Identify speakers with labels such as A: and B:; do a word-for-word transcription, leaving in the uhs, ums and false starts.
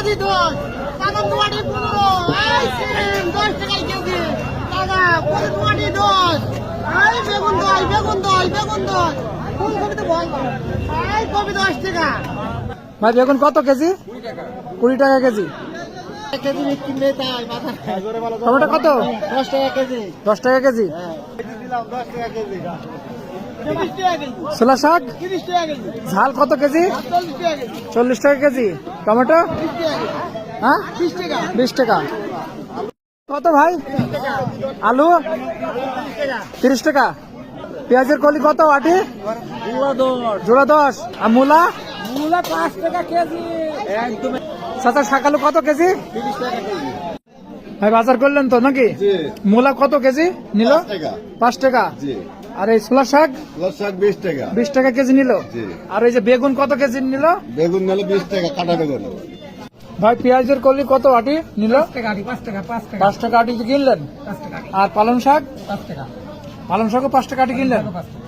A: KG দশ, বাদাম দুয়াটি পনেরো, এই সিম দশ টাকায় কেজি, দাদা কচি দুয়াটি দশ, এই বেগুন দশ, বেগুন দশ, বেগুন দশ, ফুলকপি তো ভয় করে, এই কপি দশ টাকা।
B: ভাই বেগুন কত কেজি? কুড়ি টাকা কেজি।
A: এক কেজি বিক্রি নেই তাই বাজারে।
B: টমেটো কত?
A: দশ টাকা কেজি।
B: দশ টাকা কেজি।
A: দিলাম দশ টাকা কেজি। তিরিশ টাকা কেজি।
B: ছোলা শাক
A: তিরিশ টাকা কেজি।
B: ঝাল কত কেজি?
A: চল্লিশ টাকা কেজি।
B: চল্লিশ টাকা কেজি। টমেটো
A: বিশ টাকা কেজি।
B: হ্যাঁ
A: বিশ টাকা।
B: বিশ টাকা। কত ভাই? আলু তিরিশ টাকা। পেঁয়াজের কলি কত আটি? জোড়া দশ। আর মূলা?
A: মূলা পাঁচ টাকা কেজি। একদম
B: চাচা শাকালু কত কেজি?
A: তিরিশ টাকা কেজি।
B: ভাই বাজার করলেন তো নাকি? মূলা কত কেজি নিল? পাঁচ টাকা। আর এই ছোলা শাক?
C: শাক বিশ টাকা।
B: বিশ টাকা কেজি নিল। আর এই যে বেগুন কত কেজি নিল?
C: বেগুন নিলে বিশ টাকা কাটা বেগুন।
B: ভাই পেঁয়াজের কলি কত আটি নিল?
A: পাঁচ টাকা পাঁচ টাকা
B: পাঁচ টাকা আটি কিনলেন।
A: পাঁচ টাকা
B: আর পালং শাক?
A: পাঁচ টাকা
B: পালং শাকও পাঁচ টাকা আটি কিনলেন।
A: পাঁচ টাকা।